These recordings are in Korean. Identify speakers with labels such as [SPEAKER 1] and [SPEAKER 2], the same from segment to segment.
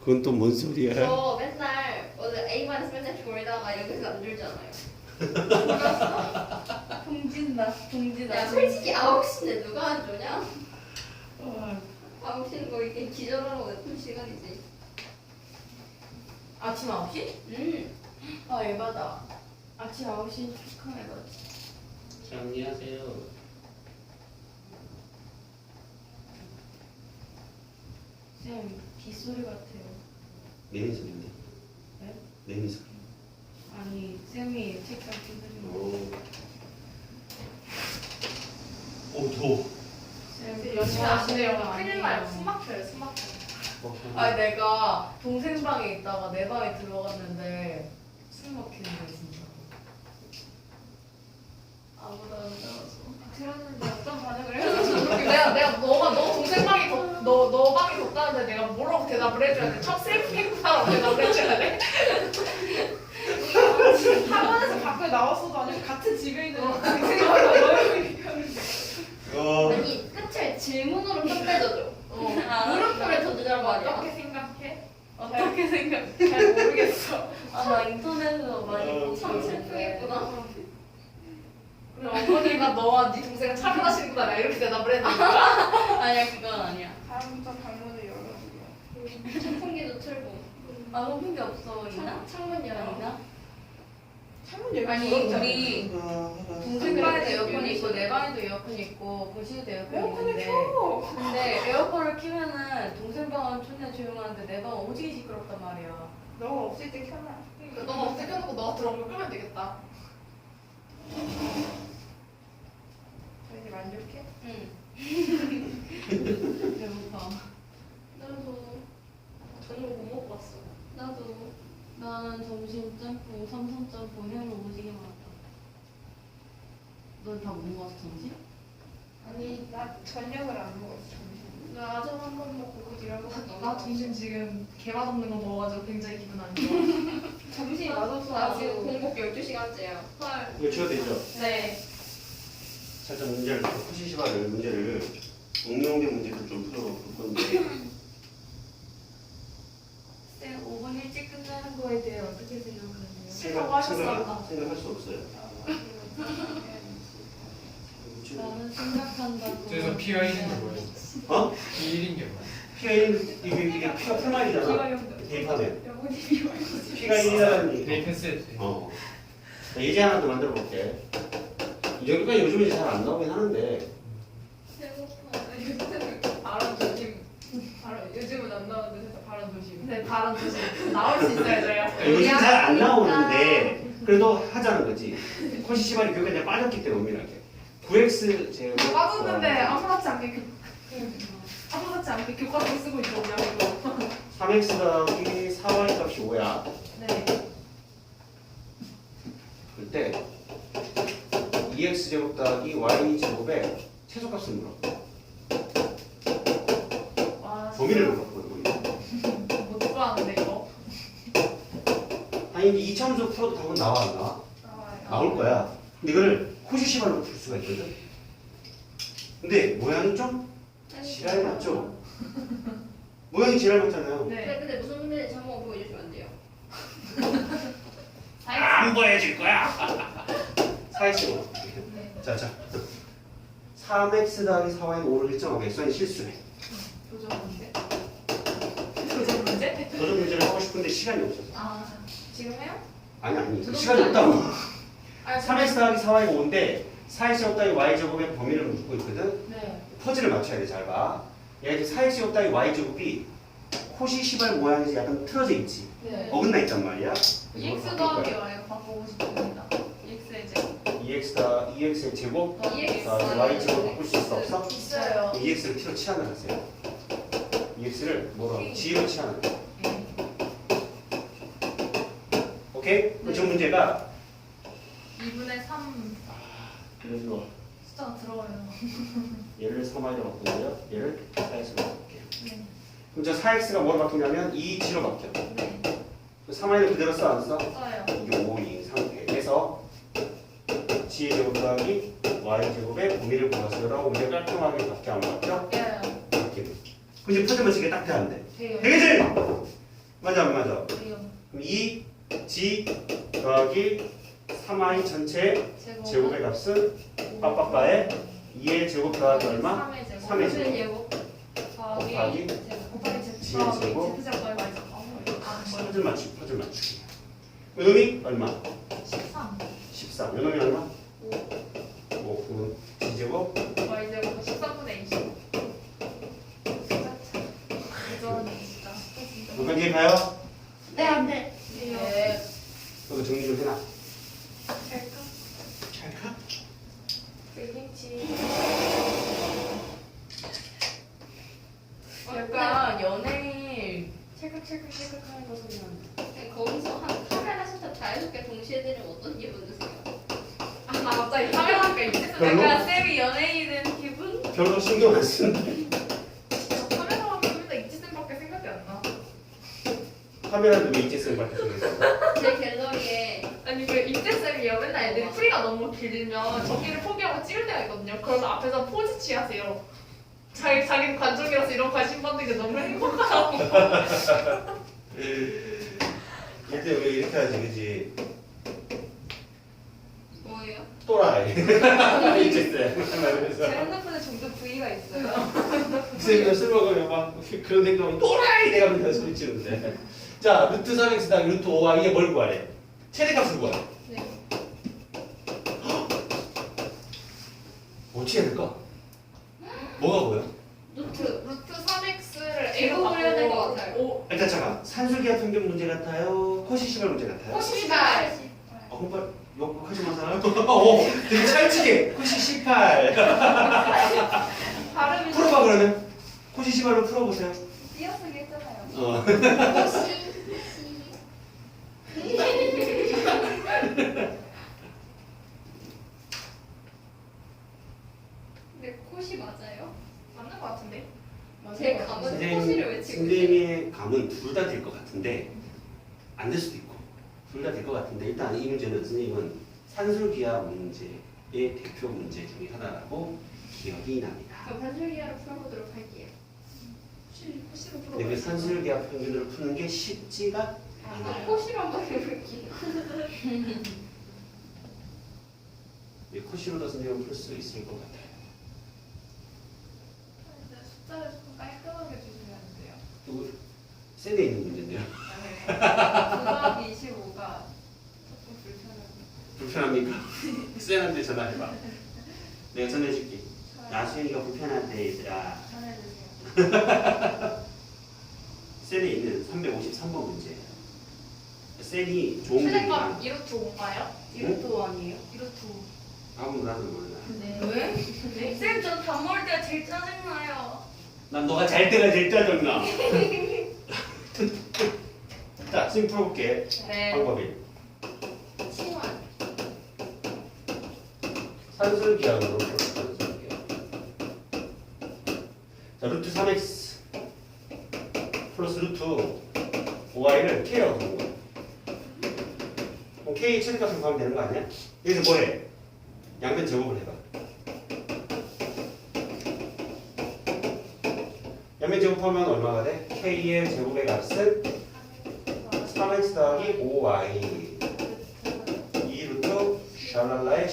[SPEAKER 1] 그건 또 뭔 소리야?
[SPEAKER 2] 저 맨날 원래 A-마이너스 맨날 졸다가 여기서 안 졸잖아요.
[SPEAKER 3] 동진다. 동진다.
[SPEAKER 2] 야 솔직히 9시인데 누가 안 졸냐? 9시는 거 이렇게 기절하라고 냅둔 시간이지.
[SPEAKER 3] 아침 9시? 아 에바다. 아침 9시 축하 에바지.
[SPEAKER 1] 정리하세요.
[SPEAKER 3] 쌤 빗소리 같아요.
[SPEAKER 1] 내미 소리인데?
[SPEAKER 3] 네?
[SPEAKER 1] 내미 소리.
[SPEAKER 3] 아니 쌤이 책상 두드리면
[SPEAKER 1] 오 더워.
[SPEAKER 3] 쌤
[SPEAKER 2] 열심히 안 돼요.
[SPEAKER 3] 아니에요.
[SPEAKER 2] 큰일 나요. 숨 막혀요. 숨 막혀.
[SPEAKER 3] 아니 내가 동생 방에 있다가 내 방에 들어갔는데 숨 막히는 거야 진짜. 아무도 안 나와서.
[SPEAKER 2] 들었는데 어떤 반응을 해서
[SPEAKER 3] 내가 너 동생 방이 너 방이 덥다는데 내가 뭐라고 대답을 해줘야 돼? 첫 셀프 행사라고 대답을 해줘야 돼?
[SPEAKER 4] 학원에서 밖에 나왔어도 아니고 같은 집에 있는
[SPEAKER 2] 아니 끝을 질문으로 끝내줘줘. 물음표를 던지자는 말이야.
[SPEAKER 4] 어떻게 생각해?
[SPEAKER 3] 어떻게 생각해? 잘 모르겠어. 아 나 인터넷에서 많이 보고
[SPEAKER 2] 참 슬프겠구나.
[SPEAKER 3] 그럼 어머니가 너와 네 동생은 차별하시는구나 이렇게 대답을 했는데
[SPEAKER 2] 아니야 그건 아니야.
[SPEAKER 4] 다음부터 방문을 열어주려.
[SPEAKER 2] 선풍기도 틀고.
[SPEAKER 3] 아 높은 게 없어 있나?
[SPEAKER 2] 창문 열어나?
[SPEAKER 4] 창문 열고
[SPEAKER 3] 아니
[SPEAKER 4] 들어오잖아.
[SPEAKER 3] 우리 동생 방에도 에어컨이 있고 내 방에도 에어컨이 있고 거실에도 에어컨이
[SPEAKER 4] 에어컨을
[SPEAKER 3] 있는데
[SPEAKER 4] 켜.
[SPEAKER 3] 근데 에어컨을 키면은 동생 방은 존나 조용한데 내 방은 오지게 시끄럽단 말이야.
[SPEAKER 4] 너가 없을 때 켜놔.
[SPEAKER 3] 그러니까 너가 없을 때 켜놓고 너가 들어오면 끄면 되겠다.
[SPEAKER 4] 저 이제 만족해?
[SPEAKER 2] 응.
[SPEAKER 3] 배고파.
[SPEAKER 2] 나도 저녁 못 먹고 왔어. 나도.
[SPEAKER 3] 나는 점심 짬뽕, 삼선 짬뽕, 해물 오지게 많았다. 넌 다 못 먹었어 점심?
[SPEAKER 4] 아니 나 저녁을 안 먹었어. 점심.
[SPEAKER 2] 나 아점 한 번 먹고 일하고
[SPEAKER 3] 나 점심 지금 개 맛없는 거 먹어가지고 굉장히 기분 안 좋아.
[SPEAKER 4] 점심이 맛없어.
[SPEAKER 2] 나 지금 공복 12시간째야. 헐.
[SPEAKER 1] 이거 지워도 되죠?
[SPEAKER 2] 네.
[SPEAKER 1] 살짝 문제를 푸시시바를 문제를 응용된 문제를 좀 풀어볼 건데
[SPEAKER 3] 쌤 5분 일찍 끝나는 거에 대해 어떻게 생각하세요?
[SPEAKER 1] 생각할 수 없어요.
[SPEAKER 3] 나는 생각한다고.
[SPEAKER 5] 그래서 P가 1인 게 뭐예요?
[SPEAKER 1] 어?
[SPEAKER 5] P 1인 게 뭐예요?
[SPEAKER 1] P가 1, 이게 P가 풀말이잖아. 대입하면 P가 1이라는 얘기.
[SPEAKER 5] 대입했을 때
[SPEAKER 1] 자, 예제 하나 더 만들어 볼게. 이 정도까지 요즘에 잘 안 나오긴 하는데
[SPEAKER 4] 발언 조심. 요즘은 안 나오는데 살짝 발언 조심.
[SPEAKER 3] 네, 발언 조심. 나올 수 있어요, 저희가.
[SPEAKER 1] 요즘 잘 안 나오는데 그래도 하자는 거지. 코시 시발이 교육에 이제 빠졌기 때문에 은밀하게 9x 제곱
[SPEAKER 4] 빠졌는데 아무렇지 않게 아무렇지 않게 교과서 쓰고 있거든요. 이거.
[SPEAKER 1] 3x 더하기 4y 값이 5야.
[SPEAKER 3] 네.
[SPEAKER 1] 그때 2x 제곱 더하기 y 제곱의 최소값을 물어.
[SPEAKER 3] 와,
[SPEAKER 1] 범위를 물어. 범위.
[SPEAKER 3] 못 들어왔는데 이거.
[SPEAKER 1] 아니 이제 이차함수 풀어도 답은 나와 안 나와?
[SPEAKER 4] 나와요.
[SPEAKER 1] 나올 거야. 근데 이거를 코시 시발로 풀 수가 있거든. 근데 모양이 좀 지랄 맞죠? 모양이 지랄 맞잖아요.
[SPEAKER 4] 네.
[SPEAKER 2] 근데 무슨 문제인지 한번 보여주시면 안 돼요?
[SPEAKER 1] 안 보여줄 거야. 4x로. 자. 3x 더하기 4y는 5를 일정하고 x는 실수해.
[SPEAKER 4] 도전 문제.
[SPEAKER 3] 도전 문제?
[SPEAKER 1] 도전 문제를 하고 싶은데 시간이 없어서.
[SPEAKER 3] 아,
[SPEAKER 4] 지금 해요?
[SPEAKER 1] 아니. 시간이 없다고.
[SPEAKER 4] 아니
[SPEAKER 1] 3x 더하기 4y가 5인데 4x 제곱 더하기 y 제곱의 범위를 묻고 있거든.
[SPEAKER 3] 네.
[SPEAKER 1] 퍼즐을 맞춰야 돼. 잘 봐. 얘가 이제 4x 제곱 더하기 y 제곱이 코시 시발 모양에서 약간 틀어져 있지.
[SPEAKER 3] 네.
[SPEAKER 1] 어긋나 있단 말이야.
[SPEAKER 3] EX 더하기 Y가 바꾸고 싶습니다. EX의 제곱.
[SPEAKER 1] 2x의 제곱
[SPEAKER 2] EX.
[SPEAKER 1] 더하기 y 제곱 바꿀 수 있어 없어?
[SPEAKER 3] 있어요.
[SPEAKER 1] EX를 t로 치환을 하세요. EX를 뭐라고? g로 치환을 해. 오케이? 그럼 저 문제가
[SPEAKER 3] 2분의 3
[SPEAKER 1] 그래서
[SPEAKER 3] 숫자가 들어와요.
[SPEAKER 1] 얘를 3y로 바꾸고요. 얘를 4x로 바꿀게요.
[SPEAKER 3] 네.
[SPEAKER 1] 그럼 저 4x가 뭐로 바뀌냐면 2g로 바뀌어.
[SPEAKER 3] 네.
[SPEAKER 1] 3y를 그대로 써 안 써?
[SPEAKER 3] 써요.
[SPEAKER 1] 이게 5인 상태에서 g의 제곱 더하기 y 제곱의 범위를 구하세요라고 문제 깔끔하게 바뀌어 안 바뀌어?
[SPEAKER 3] 바뀌어요.
[SPEAKER 1] 바뀌어. 근데 퍼즐 맞추기가 딱 돼야 안 돼.
[SPEAKER 3] 돼요.
[SPEAKER 1] 되겠지? 맞아 안 맞아? 그럼 2G 더하기 3i 전체 제곱의 값은 빠빠빠에 2의 제곱 더하기 얼마? 3의 제곱 곱하기 G의 제곱 퍼즐 맞추기 요놈이 얼마? 13 요놈이 얼마? 5 그럼 G제곱
[SPEAKER 3] y제곱 13분의 20.
[SPEAKER 1] 몇번 뒤에 가요?
[SPEAKER 2] 네, 안 돼.
[SPEAKER 3] 네.
[SPEAKER 1] 너도 정리 좀 해놔
[SPEAKER 4] 될까?
[SPEAKER 1] 잘 가?
[SPEAKER 2] 약간 연예인 찰칵찰칵찰칵 하는 거 소리 나는데. 거기서 한 카메라 센터 자유롭게 동시에 들으면 어떤 기분 드세요?
[SPEAKER 3] 아, 나 갑자기 카메라가 있겠어.
[SPEAKER 1] 별로?
[SPEAKER 2] 약간 쌤이 연예인이 된 기분?
[SPEAKER 1] 별로 신경 안 쓰는데
[SPEAKER 3] 카메라 하면 맨날 이지쌤밖에 생각이 안 나.
[SPEAKER 1] 카메라도 왜 이제 밖에 생겼어?
[SPEAKER 2] 제 갤러리에
[SPEAKER 3] 아니 그 임재쌤이요 맨날 애들이 프리가 너무 길면 저기를 포기하고 찍을 때가 있거든요. 그래서 앞에서 포즈 취하세요. 자기는 관종이라서 이런 관심 받는 게 너무 행복하다고.
[SPEAKER 1] 이때 왜 이렇게 하지 그지?
[SPEAKER 2] 뭐예요?
[SPEAKER 1] 또라이 이제 그래서
[SPEAKER 2] 제 핸드폰에 종종 V가 있어요.
[SPEAKER 1] 쌤이 술 먹으면 막 그런 생각하면 또라이 내가 맨날 소리치는데 자 루트 3x 더하기 루트 5와 이게 뭘 구하래? 최대값을 구하래
[SPEAKER 2] 네.
[SPEAKER 1] 어떻게 해야 될까? 뭐가 보여?
[SPEAKER 2] 노트.
[SPEAKER 3] 루트 3x를
[SPEAKER 2] 제곱을 해야 될것 같아요.
[SPEAKER 1] 일단 잠깐 산술기하 평균 문제 같아요? 코시시발 문제 같아요?
[SPEAKER 2] 코시발.
[SPEAKER 1] 홍발 욕하지 마세요 되게 찰지게 코시18
[SPEAKER 2] 발음이
[SPEAKER 1] 풀어봐 그러면 코시시발로 풀어보세요
[SPEAKER 2] 띄어쓰기 했잖아요.
[SPEAKER 1] 어.
[SPEAKER 2] 근데 코시 맞아요?
[SPEAKER 3] 맞는 것 같은데?
[SPEAKER 2] 제 감은 코시를 외치고 있어요.
[SPEAKER 1] 선생님의 감은 둘 다 될 것 같은데 안 될 수도 있고 둘 다 될 것 같은데 일단 이 문제는 선생님은 산술기하 문제의 대표 문제 중에 하나라고 기억이 납니다.
[SPEAKER 2] 그럼 산술기하로 풀어보도록 할게요.
[SPEAKER 3] 코시로
[SPEAKER 1] 근데 그 산술기하 평균을 푸는 게 쉽지가 않아요.
[SPEAKER 2] 코시로 한번 해볼게요.
[SPEAKER 1] 코시로도 선생님은 풀 수 있을 것 같아요.
[SPEAKER 3] 숫자를 조금 깔끔하게 주시면 안 돼요?
[SPEAKER 1] 이거 셀에 있는 문제인데요.
[SPEAKER 2] 9 더하기 25가 조금 불편해요.
[SPEAKER 1] 불편합니까? 쌤한테 전화해봐. 내가 전해줄게. 나수현이가 불편한데 얘들아.
[SPEAKER 2] 전해주세요.
[SPEAKER 1] 셀에 있는 353번 문제예요. 셀이 좋은
[SPEAKER 3] 최대값
[SPEAKER 1] 문제가
[SPEAKER 3] 2루트 5인가요?
[SPEAKER 2] 이것도 아니에요?
[SPEAKER 3] 2루트 5.
[SPEAKER 1] 아무나 나도 몰라.
[SPEAKER 2] 네.
[SPEAKER 3] 왜?
[SPEAKER 2] 네? 쌤, 전 밥 먹을 때가 제일 짜증나요.
[SPEAKER 1] 난 너가 잘 때가 제일 짜증나. 자, 지금 풀어볼게.
[SPEAKER 2] 네.
[SPEAKER 1] 방법이.
[SPEAKER 2] 치환.
[SPEAKER 1] 산술기하로 풀어볼게요. 자, 루트 3x 플러스 루트 5y를 k라고 부르는 거야. 그럼 k 최대값을 구하면 되는 거 아니야? 여기서 뭐해? 양변 제곱을 해봐. 양변 제곱하면 얼마가 돼? k의 제곱의 값은 3x 더하기 5y 2루트 샬랄라의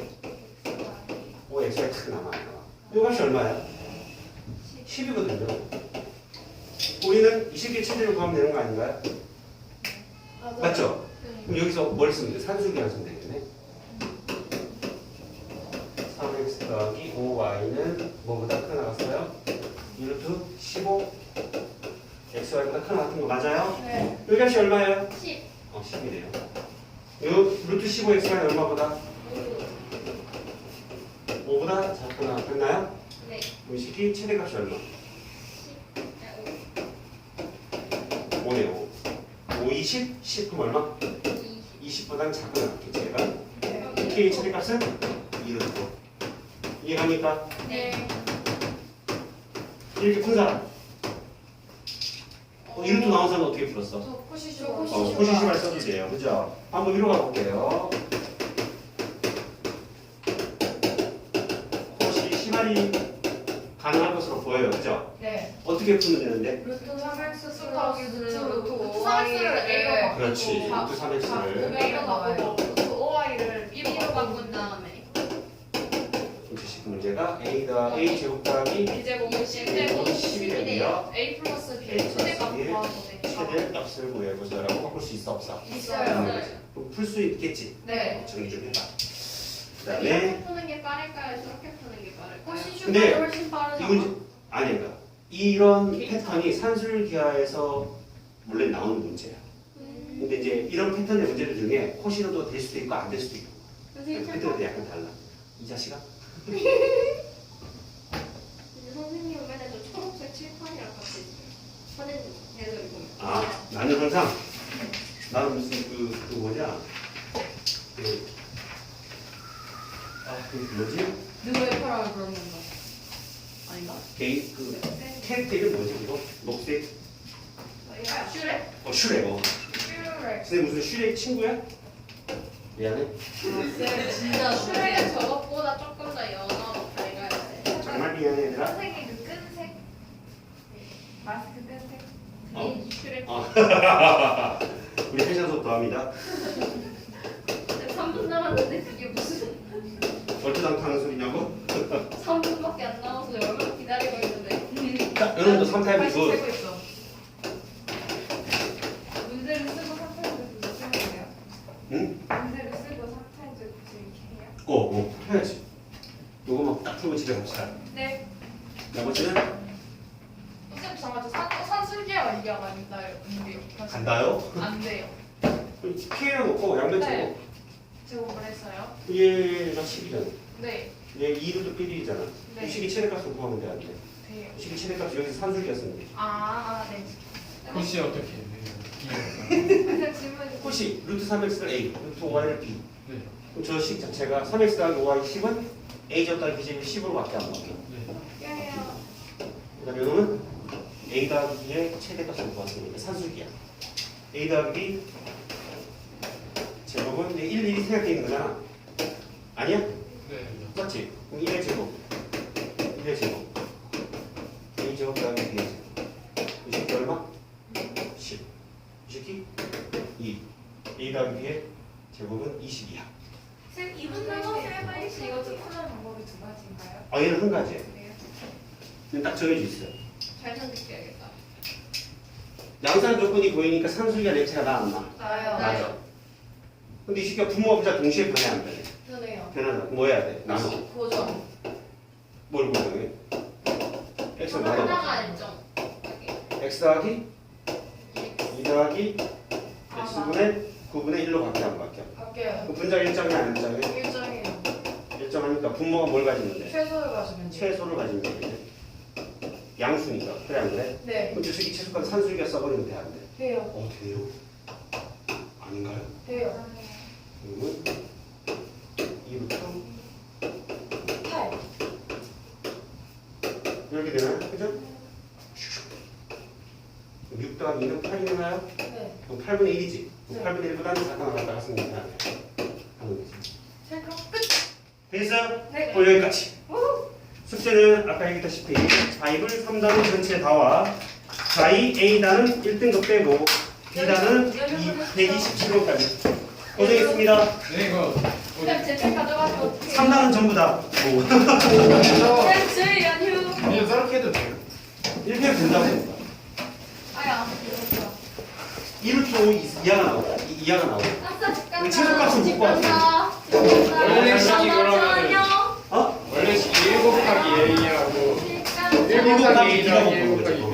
[SPEAKER 1] 15x가 탁 남아요. 이 값이 얼마야? 10이거든요. 우리는 20개 최대로 구하면 되는 거 아닌가요? 맞죠? 그럼 여기서 뭘 쓰면 돼? 산술기하 쓰면 되겠네. 3x 더하기 5y는 뭐보다 크게 나갔어요? 2루트 15 xy보다 크게 나갔던 거 맞아요?
[SPEAKER 2] 네.
[SPEAKER 1] 이 값이 얼마예요?
[SPEAKER 2] 10.
[SPEAKER 1] 10이네요. 요 루트 15x가 얼마보다? 5보다 작고 나왔나요?
[SPEAKER 2] 네.
[SPEAKER 1] 그럼 이 새끼 최대값이 얼마?
[SPEAKER 2] 10.
[SPEAKER 1] 5네요. 5, 20, 10 그럼 얼마? 20보다는 작고 나왔겠지 얘가? k 최대값은 2루트. 이해갑니까?
[SPEAKER 2] 네.
[SPEAKER 1] 이렇게 푼 사람. 2루트 나온 사람은 어떻게 풀었어?
[SPEAKER 3] 저 코시쇼.
[SPEAKER 1] 코시시발 써도 돼요. 그죠? 한번 위로 가볼게요. 코시시발이 가능한 것으로 보여요. 그죠?
[SPEAKER 3] 네.
[SPEAKER 1] 어떻게 풀면 되는데?
[SPEAKER 3] 루트 3x 더하기 루트 5. 3x를 a로 바꾸고
[SPEAKER 1] 그렇지. 루트 3x를
[SPEAKER 3] a로 바꾸고 루트 5y를 b로
[SPEAKER 2] B로
[SPEAKER 3] 바꾸고
[SPEAKER 2] 바꾼 다음에
[SPEAKER 1] 주식 문제가 a 제곱 더하기
[SPEAKER 3] b제곱은 10제곱
[SPEAKER 1] 10이 되고요.
[SPEAKER 3] a 플러스 b
[SPEAKER 1] A 플러스
[SPEAKER 3] 최대값
[SPEAKER 1] B의
[SPEAKER 3] 구하면 되니까
[SPEAKER 1] 최대 값을 구해보자라고 바꿀 수 있어 없어?
[SPEAKER 3] 있어요.
[SPEAKER 1] 풀 수 있겠지?
[SPEAKER 3] 네.
[SPEAKER 1] 정리 좀 해봐. 그 다음에
[SPEAKER 2] 이렇게 푸는 게 빠를까요? 저렇게 푸는 게 빠를까요?
[SPEAKER 1] 근데
[SPEAKER 2] 훨씬 빠르잖아.
[SPEAKER 1] 이건 아니 그러니까 이런 패턴이 산술기하에서 원래 나오는 문제야. 근데 이제 이런 패턴의 문제들 중에 코시로도 될 수도 있고 안 될 수도 있고
[SPEAKER 2] 선생님 참
[SPEAKER 1] 패턴이 약간 달라. 이 자식아?
[SPEAKER 2] 근데 선생님은 맨날 저 초록색 칠판이랑 같이 사진 해서 이거
[SPEAKER 1] 아 나는 항상 나는 무슨 그 뭐냐 그 뭐지
[SPEAKER 2] 누구의 파랑을 그런 건가? 아닌가?
[SPEAKER 1] 개인 그 캐릭터 이름 뭐지 그거 녹색
[SPEAKER 3] 슈렉?
[SPEAKER 1] 슈렉
[SPEAKER 3] 슈렉
[SPEAKER 1] 선생님 무슨 슈렉 친구야? 미안해.
[SPEAKER 2] 진짜 슈렉은 저것보다 조금 더 연어로 밝아야 돼.
[SPEAKER 1] 정말 미안해 얘들아.
[SPEAKER 4] 선생님 그 끈색 마스크 끈색
[SPEAKER 1] 어.
[SPEAKER 2] 이 슈렉
[SPEAKER 1] 우리 패션 수업 더합니다.
[SPEAKER 2] 3분 남았는데 그게 무슨
[SPEAKER 1] 얼토당토하는 소리냐고?
[SPEAKER 2] 3분밖에 안 남아서 얼마나 기다리고 있는데.
[SPEAKER 1] 자, 여러분도 3타입
[SPEAKER 3] 다시
[SPEAKER 1] 굿.
[SPEAKER 3] 세고 있어
[SPEAKER 4] 문제를 쓰고 3타임즈 구슬 해요?
[SPEAKER 1] 응?
[SPEAKER 4] 문제를 쓰고 3타임즈 구슬 이렇게 해요?
[SPEAKER 1] 해야지. 요거만 딱 풀고 집에 갑시다.
[SPEAKER 3] 네
[SPEAKER 1] 나머지는
[SPEAKER 3] 선생님 잠깐만 저 산술기와 얘기하면 안 돼요
[SPEAKER 1] 간다요?
[SPEAKER 3] 안 돼요
[SPEAKER 1] K를 놓고 양변
[SPEAKER 3] 네.
[SPEAKER 1] 치고
[SPEAKER 3] 제곱을 했어요
[SPEAKER 1] 얘가 10이잖아.
[SPEAKER 3] 네
[SPEAKER 1] 얘 2루도 1이잖아.
[SPEAKER 3] 네.
[SPEAKER 1] 식이 최대값을 구하면 돼, 안 돼?
[SPEAKER 3] 돼요
[SPEAKER 1] 식이 최대값이 여기서 산술기였으면 돼.
[SPEAKER 3] 네.
[SPEAKER 5] 혹시 어떻게 해요?
[SPEAKER 4] 그래서 질문이
[SPEAKER 1] 혹시 루트 3x를 A, 루트 5y를 B.
[SPEAKER 5] 네.
[SPEAKER 1] 그럼 저 식 자체가 3x 더하기 5y 10은 A 제곱 더하기 B 제곱이 10으로밖에 안 바뀌어.
[SPEAKER 5] 네.
[SPEAKER 4] 해요.
[SPEAKER 1] 그다음에 이거는 A 더하기 B의 최대값을 구했으니까 산술기야. A 더하기 B 제곱은 이제 1, 1이 생각되어 있는 거잖아. 아니야?
[SPEAKER 5] 네.
[SPEAKER 1] 맞지? 그럼 1의 제곱 1의 제곱 A 제곱 더하기 B의 제곱 이 새끼 얼마? 10 이 새끼 2 A 더하기 B의 제곱은 20이야.
[SPEAKER 4] 쌤 2분 남았어요. 혹시 이거 좀 푸는 방법이 두 가지인가요?
[SPEAKER 1] 아 얘는 한 가지야.
[SPEAKER 4] 네.
[SPEAKER 1] 근데 딱 정해져 있어요.
[SPEAKER 2] 잘 선택해야겠다.
[SPEAKER 1] 양산 조건이 보이니까 산술기가 렌체가 나 안 나?
[SPEAKER 3] 나요
[SPEAKER 1] 맞아. 근데 이 새끼가 부모가 부자 동시에 변해 안 변해?
[SPEAKER 2] 편해요.
[SPEAKER 1] 변하다. 뭐 해야 돼? 나눠.
[SPEAKER 2] 고정.
[SPEAKER 1] 뭘 고정해? x를 나눠.
[SPEAKER 2] 하나가 일정.
[SPEAKER 1] x 더하기 2 더하기 x분의 9분의 1로 바뀌어 안 바뀌어?
[SPEAKER 3] 바뀌어요
[SPEAKER 1] 그 분자 일정이 안 일정해?
[SPEAKER 3] 일정이에요
[SPEAKER 1] 일정하니까 분모가 뭘 가지는데?
[SPEAKER 3] 최소를 가지면 돼요
[SPEAKER 1] 최소를 가지면 되겠네. 양수니까. 그래 안 그래?
[SPEAKER 3] 네
[SPEAKER 1] 그럼 주식이 최소값 산술기가 써버리면 돼 안 돼?
[SPEAKER 3] 돼요
[SPEAKER 1] 돼요? 아닌가요?
[SPEAKER 3] 돼요
[SPEAKER 1] 그러면 2부터
[SPEAKER 3] 8
[SPEAKER 1] 이렇게 되나요? 그죠? 6 더하기 2는 8이 되나요?
[SPEAKER 3] 네
[SPEAKER 1] 그럼 8분의 1이지?
[SPEAKER 3] 네.
[SPEAKER 1] 8분의 1보다는 작가 나갔다가 쓰니까 하는 거지.
[SPEAKER 4] 자 그럼 끝.
[SPEAKER 1] 되겠어요?
[SPEAKER 4] 네.
[SPEAKER 1] 오늘 여기까지. 숙제는 아까 얘기했다시피 4입을 3단은 전체 다와 4이 A단은 1등급 빼고 B단은 127호까지 고생했습니다.
[SPEAKER 5] 네, 이거
[SPEAKER 3] 쌤 제책 가져가시면 어떡해요
[SPEAKER 1] 3단은 전부 다
[SPEAKER 3] 쌤 주의 연휴
[SPEAKER 5] 그냥 저렇게 해도 돼요?
[SPEAKER 1] 1회 된다고.
[SPEAKER 3] 아야 이렇게
[SPEAKER 1] 1호 이하가 나오고 2하가 나오고
[SPEAKER 2] 아싸 집 간다.
[SPEAKER 1] 최소값은
[SPEAKER 2] 집
[SPEAKER 1] 못 봤어.
[SPEAKER 2] 간다. 집 간다.
[SPEAKER 5] 원래 식이 그러면은
[SPEAKER 2] 안녕.
[SPEAKER 1] 어?
[SPEAKER 5] 원래 1 곱하기 A하고
[SPEAKER 2] 집 간다.
[SPEAKER 5] 1 곱하기 A 더하기 1 곱하기